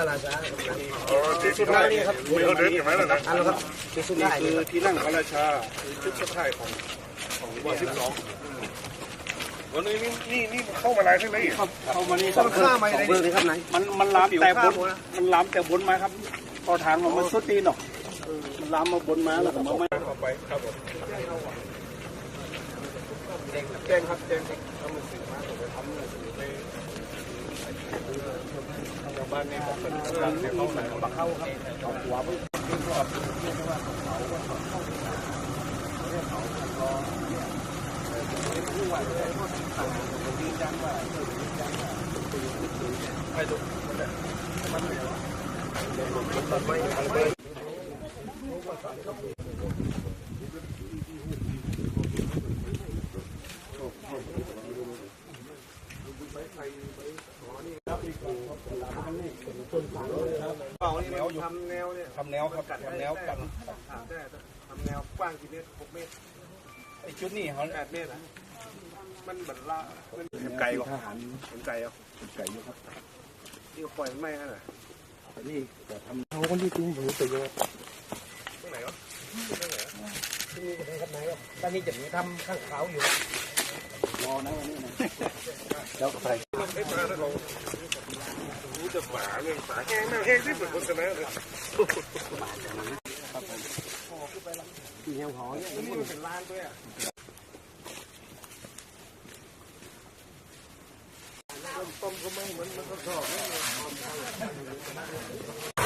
ราชาที่สุดท้ายนี่ครับมีเขาเดินอย่างไรล่ะนะอันนั้นครับที่สุดท้ายคือที่นั่งพระราชาคือชุดสุดท้ายของวัน12วันนี้นี่เข้ามาลายใช่ไหมเข้ามานี่ต้องข้ามาเบอร์เลยครับไหนมันล้ำแต่บนมันล้ำแต่บนไม้ครับพอทางมันสุดตีนหรอกมันล้ำมาบนไม้แล้วผมไม่ต่อไปครับผมแจ้งครับแจ้งทำหนังสือมาผมไปทำหนังสือไปชาวบ้านเนี่ยผมเป็นเรื่องเนี่ยเขาไหนมาเข้าครับเอาหัวไปที่รอบที่ว่าเขาผู้ว่าเลยต่างคนยืนยันว่าไปดูมันไม่หรอมันไม่แนวอยู่ทำแนวเนี่ยทำแนวครับทำแนวกันทำแนวกว้างกี่เมตร6 เมตรไอ้ชุดนี้เขา8 เมตรมันเหมือนละมันไก่หรอมันไก่เหรอไก่เยอะครับที่ปล่อยไม่ฮะน่ะนี่แต่ทำเขาคนที่ตุ้งหูไปเยอะตรงไหนวะที่นี่จะทำไหนครับตอนนี้จะมีทำข้างเขาอยู่รอนะวันนี้นะแล้วก็ใส่รู้จะฝาเรื่องฝาแห้งแห้งที่เหมือนโฆษณาเลยที่แนวหอเนี่ยนี่มันเป็นร้านด้วยต้มก็ไม่เหมือนมันก็ชอบ